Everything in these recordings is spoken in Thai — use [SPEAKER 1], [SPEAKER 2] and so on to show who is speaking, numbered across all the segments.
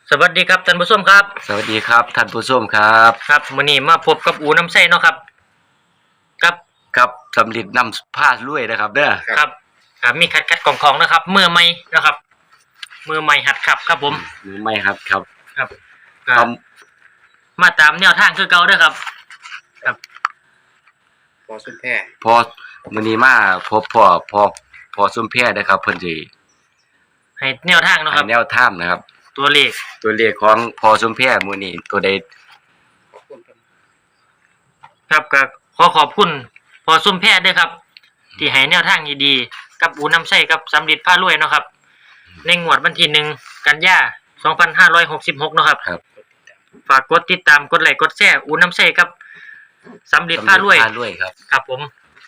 [SPEAKER 1] สวัสดีครับท่านผู้ชมครับ
[SPEAKER 2] สวัสดีครับท่านผู้ชมครับ
[SPEAKER 1] ครับมื้อนี้มาพบกับอูน้ำใสเนาะครับ
[SPEAKER 2] ครับสำลิดนำผ้าลุยนะครับเด้อ
[SPEAKER 1] ครับมีคัดของนะครับมือใหม่นะครับมือใหม่หัดขับครับผม
[SPEAKER 2] มือไม่ครับ
[SPEAKER 1] ครับ
[SPEAKER 2] มา
[SPEAKER 1] ตามแนวทางคือเก่าเด้อครับ
[SPEAKER 3] พอสุนแพร่
[SPEAKER 2] พอมื้อนี้มาพบพอซุ่มแพร่นะครับเพิ่นสิ
[SPEAKER 1] ให้แนวทางเนาะครับ
[SPEAKER 2] แนวทางนะครับ
[SPEAKER 1] ตัวเลข
[SPEAKER 2] ของพอซุ่มแพร่มื้อนี้ตัวใด
[SPEAKER 1] ครับก็ขอบคุณพอซุ่มแพร่ด้วยครับที่ให้แนวทางดีๆกับอูน้ำใสกับสำลิดผ้ารวยเนาะครับในงวดวันที่1กันยายน2566เนาะครับฝากกดติดตามกดไลค์กดแชร์อูน้ำใสกับสำลิดผ้ารวยครับผม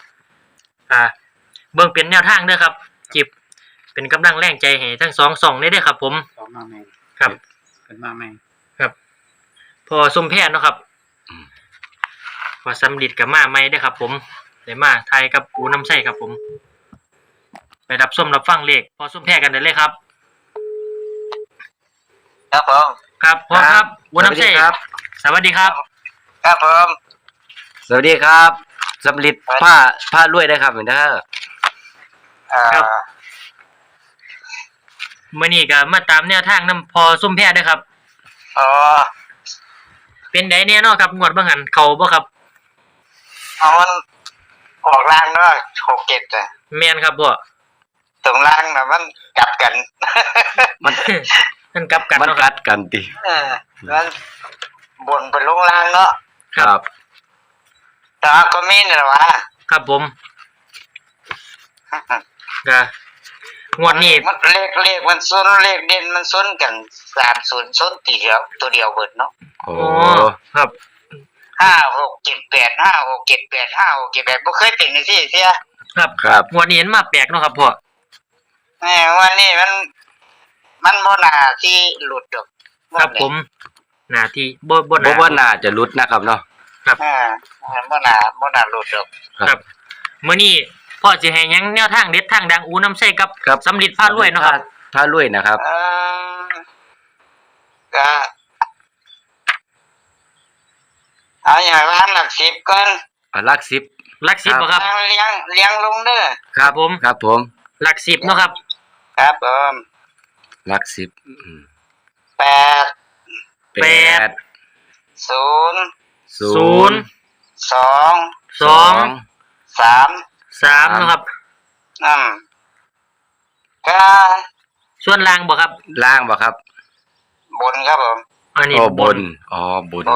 [SPEAKER 1] เบิ่งเป็นแนวทางเด้อครับจิบเป็นกำลังแรงใจให้ทั้ง2 ช่องได้เด้อครับผม
[SPEAKER 3] มาแม่
[SPEAKER 1] ครับ
[SPEAKER 3] เป็นมาแม่
[SPEAKER 1] ครับพอซุ่มแพร่เนาะครับพอสำลิดกับมาใหม่เด้อครับผมได้มาไทยกับอูน้ำใสครับผมไปรับชมรับฟังเลขพอซุ่มแพร่กันได้เลยครับ
[SPEAKER 2] ครับผม
[SPEAKER 1] ครับพอครับอูน้ำใส
[SPEAKER 2] ครับ
[SPEAKER 1] สวัสดีครับ
[SPEAKER 2] ครับผมสวัสดีครับสำลิดผ้ารวยได้ครับเหมือนเด้อ
[SPEAKER 1] ครับมื้อนี้ก็มาตามแนวทางนำพอซุ่มแพร่เด้อครับ
[SPEAKER 2] อ๋อ
[SPEAKER 1] เป็นไดแน่เนาะครับงวดบ่หันเข้าบ่ครับ
[SPEAKER 2] มันออกล่างเนาะ6-7อ่ะ
[SPEAKER 1] แม่นครับบ่
[SPEAKER 2] ตรงล่างน่ะมันกลับกัน
[SPEAKER 1] มันกลับกัน
[SPEAKER 2] มันกัดกันติมันบนไปลงล่างเนาะครับแต่ก็มีนี่ล่ะวะ
[SPEAKER 1] ครับผมก็งวดนี้
[SPEAKER 2] มันเลขมันซ้นเลขเด่นมันซ้นกัน30ซ้นตีเดียวตัวเดียวเบิดเนาะ
[SPEAKER 1] โอ้ครับ
[SPEAKER 2] 5678 5678 5678บ่เคยเป็นจังซี่เสีย
[SPEAKER 1] ครับงวดนี้เห็นมาแปลกเนาะครับพ่อ
[SPEAKER 2] วันนี้มันบ่น่าที่หลุดดอก
[SPEAKER 1] ครับผมน่าที่บ่
[SPEAKER 2] น่าจะหลุดนะครับเนาะ
[SPEAKER 1] ครับ
[SPEAKER 2] บ่น่าหลุดดอก
[SPEAKER 1] ครับมื้อนี้พ่อสิให้หยังแนวทางเด็ดทางดังอูน้ำใสกับสำลิดผ้ารวยเนาะครับ
[SPEAKER 2] ผ้ารวยนะครับก็เอาอย่างร้านหลัก10ก่อนหลัก10
[SPEAKER 1] บ่ครับ
[SPEAKER 2] เลี้ยงลงเด้อ
[SPEAKER 1] ครับผมหลัก10เนาะครับ
[SPEAKER 2] ครับผมหลัก10 8 0 2 3
[SPEAKER 1] นะครับ
[SPEAKER 2] ก็
[SPEAKER 1] ส่วนล่างบ่ครับ
[SPEAKER 2] บนครับผม
[SPEAKER 1] อันนี้
[SPEAKER 2] บน10บน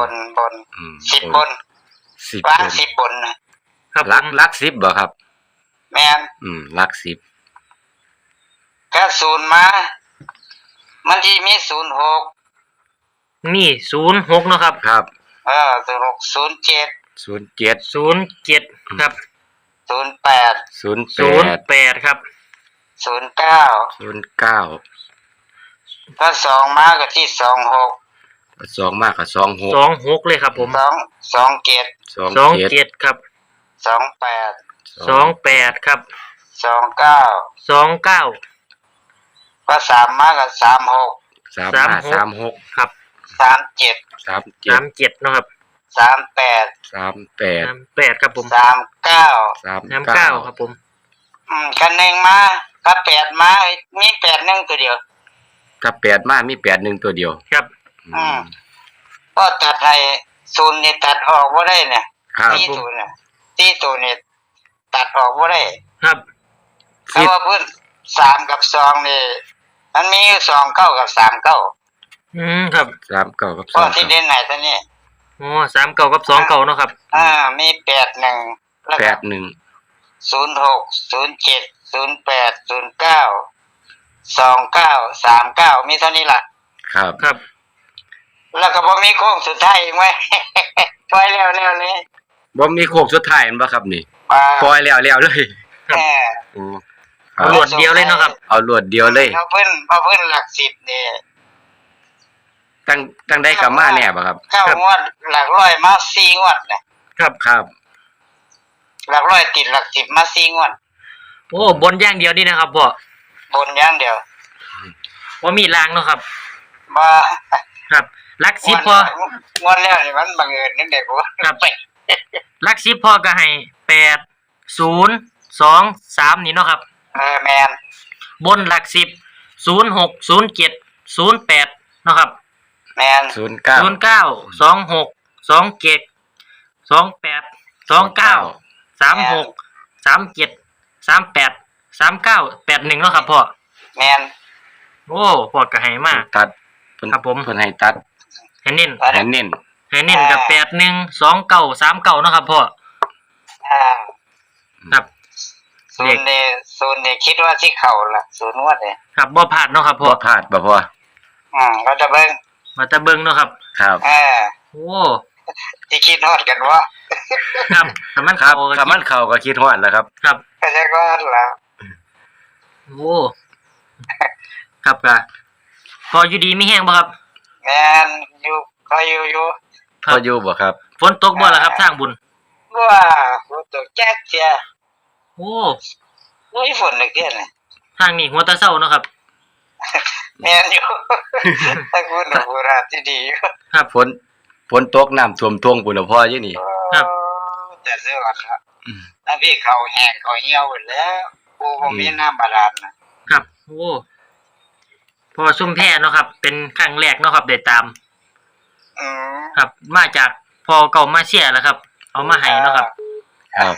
[SPEAKER 2] ล่าง10บนนะครับหลัก10บ่ครับแม่นหลัก10ก็0มามันสิมี06
[SPEAKER 1] นี่06เนาะครับ
[SPEAKER 2] ครับ06
[SPEAKER 1] 07ครับ
[SPEAKER 2] 08
[SPEAKER 1] ครับ
[SPEAKER 2] 09ถ้า2มาก็ที่26 2มาก็
[SPEAKER 1] 26เลยครับผม
[SPEAKER 2] 27
[SPEAKER 1] ครับ28ครับ29
[SPEAKER 2] ก็3มาก็36
[SPEAKER 1] ครับ37เนาะครับ38ครับผม39ครับผม
[SPEAKER 2] กัน1มาก็8มามี81ตัวเดียวถ้า8มามี81ตัวเดียวครับก็ตัดให้0นี่ตัดออกบ่ได้เนี่ย40น่ะ40นี่ตัดออกบ่ได้
[SPEAKER 1] ครับ
[SPEAKER 2] เพราะว่าพื้น3กับ2นี่มันมี29กับ39
[SPEAKER 1] ครับ
[SPEAKER 2] 39กับ2ก็ที่เด่นไหนตัวนี้
[SPEAKER 1] 39กับ29เนาะครับ
[SPEAKER 2] มี81แล้วก็06 07 08 09 29 39มีเท่านี้ล่ะครับแล้วก็บ่มีโค้งสุดท้ายอีกมั้ยปล่อยแล้วเลยบ่มีโค้งสุดท้ายมั้ยครับนี่ปล่อยแล้วเลย
[SPEAKER 1] เอารวดเดียวเลยเนาะครับ
[SPEAKER 2] เอารวดเดียวเลยเอาเพิ่นหลัก10นี่ตั้งได้กับมาแน่บ่ครับเข้างวดหลักร้อยมา4งวดนะครับหลักร้อยติดหลัก10มา4งวด
[SPEAKER 1] โอ้บนอย่างเดียวนี่นะครับพ่อบ
[SPEAKER 2] นอย่างเดียว
[SPEAKER 1] บ่มีรางเนาะครับ
[SPEAKER 2] บมา
[SPEAKER 1] ครับหลัก10พอง
[SPEAKER 2] วดแล้วนี่มันบังเอิญนั่นเด็กบ่
[SPEAKER 1] ครับหลัก10พอก็ให้8 0 2 3นี่เนาะครับ
[SPEAKER 2] แมน
[SPEAKER 1] บนหลัก10 0 6 0 7 0 8เนาะครับ
[SPEAKER 2] แมน
[SPEAKER 1] 09 26 27 28 29 36 37 38 39 81เนาะครับพ่อ
[SPEAKER 2] แมน
[SPEAKER 1] โอ้พ่อก็ให้มา
[SPEAKER 4] ตัดเพิ่น
[SPEAKER 1] ครับผม
[SPEAKER 4] เพิ่นให้ตัด
[SPEAKER 1] ให้เน้น
[SPEAKER 4] ให้เน้น
[SPEAKER 1] ให้เน้นกับ81 29 39เนาะครับพ่อ
[SPEAKER 2] อ่า
[SPEAKER 1] ครับ
[SPEAKER 2] ศูนย์นี่คิดว่าสิเข้าล่ะศูนย์งวดนี่
[SPEAKER 1] ครับบ่พลาดเนาะครับพ่อ
[SPEAKER 4] บ่พลาดบ่พอ
[SPEAKER 2] เราจะเบิ่ง
[SPEAKER 1] มาตะเบิงเนาะครับ
[SPEAKER 4] ครับ
[SPEAKER 1] โอ้
[SPEAKER 2] สิคิดฮอดกันว่า
[SPEAKER 1] ครับแต่มัน
[SPEAKER 4] ครับ
[SPEAKER 1] เข้า
[SPEAKER 4] ถ้ามันเข้าก็คิดฮอดแล้วครับ
[SPEAKER 1] ครับ
[SPEAKER 2] ก็จะก็ล่ะ
[SPEAKER 1] โอ้ครับก็พออยู่ดีมีแห้งบ่ครับ
[SPEAKER 2] แมนอยู่ก็อยู่
[SPEAKER 1] ครั
[SPEAKER 4] พ
[SPEAKER 1] บ
[SPEAKER 4] ออยู่บ่ครับ
[SPEAKER 1] ฝนตกบ่ล่ะครับทางบุญ
[SPEAKER 2] ว่าบ่ตกแจ๊กเจีย
[SPEAKER 1] โอ้
[SPEAKER 2] โอ้ยฝนนึกเด้นี่
[SPEAKER 1] ทางนี้หัวตะเช้าเนาะครับ
[SPEAKER 2] แม่นอยู่ ถ้าคุณโบราณที่ดีอยู่
[SPEAKER 1] ครับ
[SPEAKER 4] ฝนตกน้ำท่วมทวงพุ่นน่ะพออยู่นี่
[SPEAKER 1] ครับ
[SPEAKER 2] แต่เสื้อก่อนครับถ้าพี่เขาแห้งเขาเหี่ยวหมดแล้วกูบ่มีน้ำบาดาลนะครับ
[SPEAKER 1] โอ้พอซุ่มแพ้เนาะครับ เป็นครั้งแรกเนาะครับได้ตาม
[SPEAKER 2] อืม
[SPEAKER 1] ครับ มาจากพอเก่ามาเชียร์แล้วครับ เอามาให้เนาะครับ
[SPEAKER 4] ครับ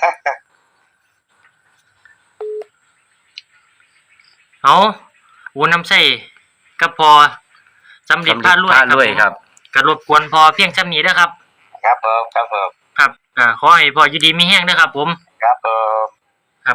[SPEAKER 1] เอาอูน้ำใส่กับพอสำเร็จพารวย
[SPEAKER 4] พารวยครับ
[SPEAKER 1] ก็รบกวนพอเพียงช่ำนี้นะครับ
[SPEAKER 2] ครับผมครับผม
[SPEAKER 1] ครับก็ขอให้พออยู่ดีมีแห้งนะครับ ผม
[SPEAKER 2] ครับผม
[SPEAKER 1] ครับ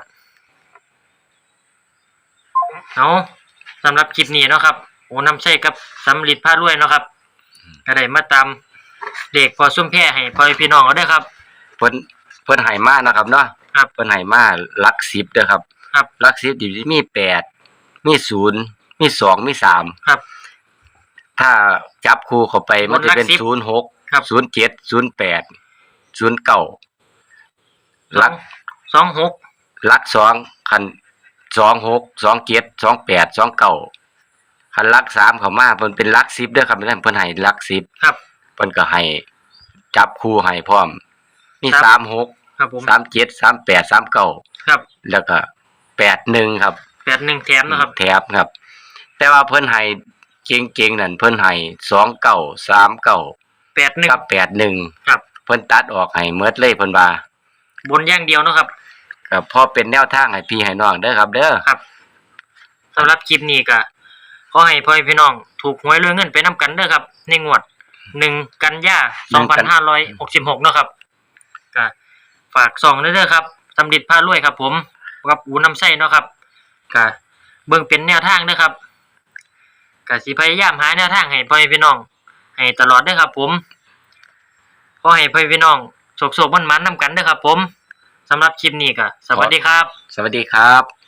[SPEAKER 1] เอาสำหรับคลิปนี้เนาะครับโอ้น้ำใช่กับสำลิดผ้ารวยเนาะครับก็ได้มาตามเด็กพอซุ่มแพร่ให้พ่อพี่น้องเอาด้วยครับ
[SPEAKER 4] เพิ่นให้มานะครับเนาะ
[SPEAKER 1] ครับ
[SPEAKER 4] เพิ่นให้มาหลัก10เด้อครับ
[SPEAKER 1] ครับ
[SPEAKER 4] หลัก10นี่มี8มี0มี2มี3
[SPEAKER 1] ครับ
[SPEAKER 4] ถ้าจับคู่เข้าไปมันจะเป็น
[SPEAKER 1] หลัก10 ครับ
[SPEAKER 4] 06 07 08 09หลัก
[SPEAKER 1] 26
[SPEAKER 4] หลัก2คัน26 27 28 29คันหลัก3เข้ามาเพิ่นเป็นหลัก10เด้อครับเพิ่นให้หลัก10
[SPEAKER 1] ครับ
[SPEAKER 4] เพิ่นก็ให้จับคู่ให้พร้อมมี
[SPEAKER 1] ครับ
[SPEAKER 4] 36
[SPEAKER 1] ครับผม
[SPEAKER 4] 37 38 39
[SPEAKER 1] ครับ
[SPEAKER 4] แล้วก็81ครับ
[SPEAKER 1] 81แถมนะครับ
[SPEAKER 4] แถบครับ แต่ว่าเพิ่นให้เก่งๆนั่นเพิ่นให้29 39
[SPEAKER 1] 81
[SPEAKER 4] กับ81
[SPEAKER 1] ครับ
[SPEAKER 4] เพิ่นตัดออกให้หมดเลยเพิ่นว่า
[SPEAKER 1] บนอย่างเดียวเนาะครับ
[SPEAKER 4] ก็พอเป็นแนวทางให้พี่ให้น้องเด้อครับ เด้อ
[SPEAKER 1] ครับสำหรับคลิปนี้ก็ขอให้พ่อพี่น้องถูกหวยรวยเงินไปนํกันเด้อครับ ในงวด1กันยา2566เนาะครับก็ฝากส่องเด้อครับสำลิดพารวยครับ ผมกับอูน้ำไส้เนาะครับก็เบิ่งเป็นแนวทางเด้อครับก็สิพยายามหาแนวทางให้พ่อพี่น้องให้ตลอดเด้อครับ ผมขอให้พ่อพี่น้องโชคๆมันๆนํกันเด้อครับ ผมสำหรับคลิปนี้ก็สวัสดีครับ
[SPEAKER 4] สวัสดีครับ